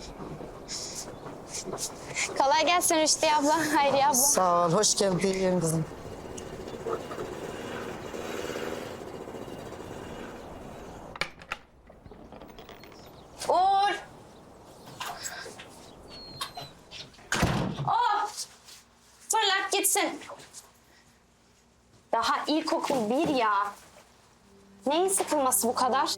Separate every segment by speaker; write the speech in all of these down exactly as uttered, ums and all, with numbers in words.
Speaker 1: Kolay gelsin Rüştü abla, Hayriye abla.
Speaker 2: Sağ ol, hoş geldin kızım.
Speaker 1: Uğur! Oh! Fırlat gitsin. Daha ilkokul bir ya. Neyin sıkılması bu kadar?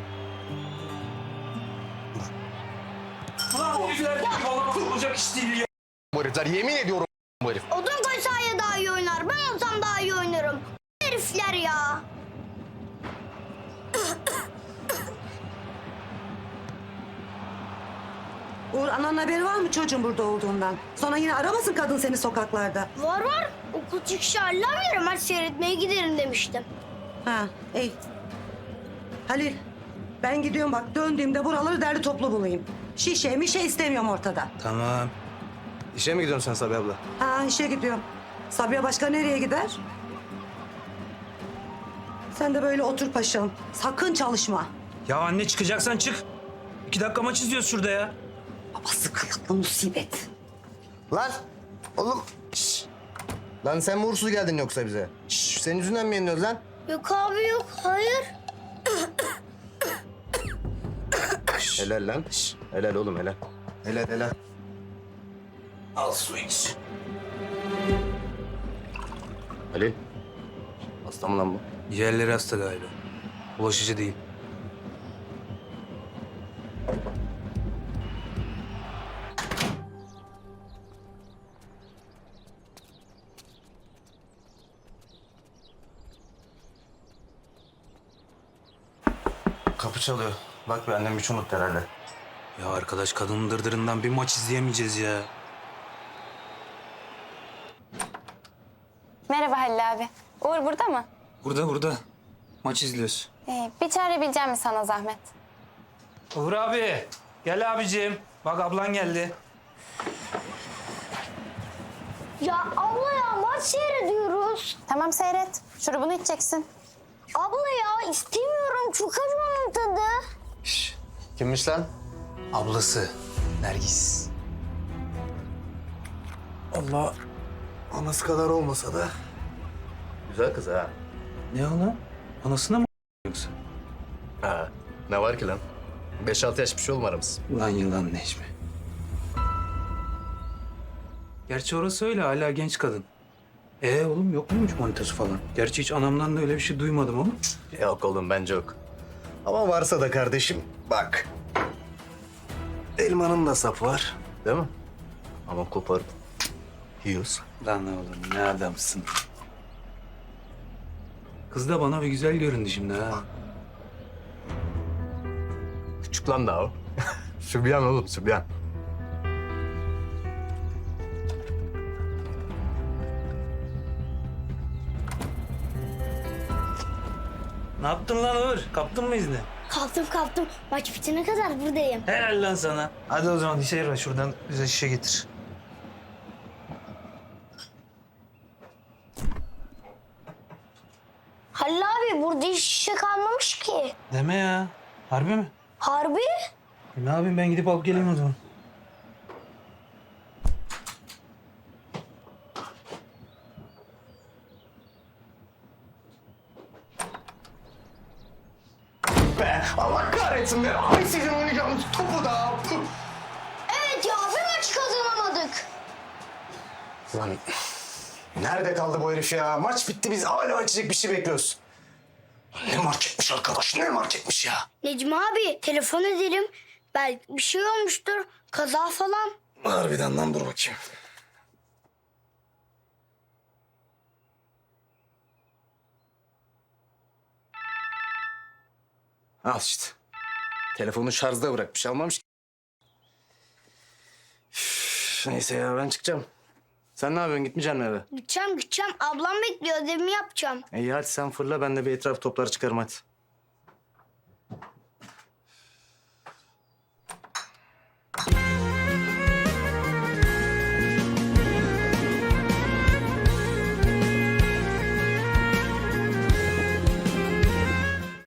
Speaker 3: Lan o herifler valla kurulacak iş değil ya.
Speaker 4: Bu herifler yemin ediyorum bu herif.
Speaker 5: Odun koy sahaya daha iyi oynar. Ben olsam daha iyi oynarım. Herifler ya.
Speaker 2: Uğur, ananın haberi var mı çocuğun burada olduğundan? Sonra yine aramasın kadın seni sokaklarda.
Speaker 5: Var var. Okul çıkışı hallamıyorum. Maç seyretmeye giderim demiştim.
Speaker 2: Ha, iyi. Halil, ben gidiyorum bak. Döndüğümde buraları derli toplu bulayım. Şişe mişe istemiyorum ortada.
Speaker 3: Tamam. İşe mi gidiyorsun sen Sabiha abla?
Speaker 2: Ha, işe gidiyorum. Sabiha başka nereye gider? Sen de böyle otur paşam. Sakın çalışma.
Speaker 3: Ya anne çıkacaksan çık. İki dakika maç izliyoruz şurada ya.
Speaker 2: Babası kılıklı musibet.
Speaker 4: Lan oğlum. Şş. Lan sen mi uğursuz geldin yoksa bize? Şş, senin yüzünden mi yeniyoruz lan?
Speaker 5: Yok abi yok. Hayır.
Speaker 4: Helal lan. Şş. Helal oğlum helal. Helal helal.
Speaker 3: Al su iç.
Speaker 4: Halil. Hasta mı lan bu?
Speaker 3: Ciğerleri hasta galiba. Bulaşıcı değil.
Speaker 4: Kapı çalıyor. Bak be annem bir çumut herhalde.
Speaker 3: Ya arkadaş kadının dırdırından bir maç izleyemeyeceğiz ya.
Speaker 1: Merhaba Halil abi. Uğur burada mı?
Speaker 3: Burada burada. Maç izliyoruz.
Speaker 1: Ee, bir çare bileceğim mi sana zahmet?
Speaker 3: Uğur abi. Gel abicim. Bak ablan geldi.
Speaker 5: Ya abla ya maç seyrediyoruz.
Speaker 1: Tamam seyret. Şurubunu içeceksin.
Speaker 5: Abla ya istemiyorum. Çok acı onun tadı.
Speaker 3: Şş.
Speaker 4: Kimmiş lan?
Speaker 3: Ablası. Nergis.
Speaker 4: Allah. Anası kadar olmasa da. Güzel kız ha.
Speaker 3: Ne o lan? Anasına mı yoksa?
Speaker 4: Ha. Ne var ki lan? Beş altı yaş bir şey olma aramız.
Speaker 3: Ulan yılan Necmi. Gerçi orası öyle hala genç kadın. Ee oğlum yok muymuş manitası falan? Gerçi hiç anamdan da öyle bir şey duymadım ama.
Speaker 4: Yok oğlum bence yok. Ama varsa da kardeşim bak. Elmanın da sapı var. Değil mi? Ama koparıp yiyoruz.
Speaker 3: Lan oğlum ne adamsın. Kız da bana bir güzel göründü şimdi ha.
Speaker 4: Küçük lan daha o. Sübyan oğlum sübyan.
Speaker 3: Ne yaptın lan Uğur? Kaptın mı izni?
Speaker 5: Kalktım kalktım. Maç bitene kadar buradayım.
Speaker 3: Helal lan sana. Hadi o zaman dışarı şuradan bize şişe getir.
Speaker 5: Halil abi burada hiç şişe kalmamış ki.
Speaker 3: Deme ya. Harbi mi?
Speaker 5: Harbi?
Speaker 3: E, ne yapayım ben gidip alıp geleyim o zaman.
Speaker 4: Be Allah kahretsin be. Ay sizin oynayacağınız topu da.
Speaker 5: Evet ya bir maç kazanamadık.
Speaker 4: Lan nerede kaldı bu herif ya? Maç bitti biz hala açacak bir şey bekliyoruz. Ne marketmiş arkadaş ne marketmiş ya.
Speaker 5: Necmi abi telefon edelim. Belki bir şey olmuştur. Kaza falan.
Speaker 4: Harbiden lan dur bakayım. Al işte. Telefonu şarjda bırakmış almamış ki. Üf, neyse ya ben çıkacağım. Sen ne yapıyorsun gitmeyeceksin mi eve?
Speaker 5: Gideceğim gideceğim. Ablam bekliyor ödevimi yapacağım.
Speaker 4: İyi hadi sen fırla ben de bir etraf topları çıkarım hadi.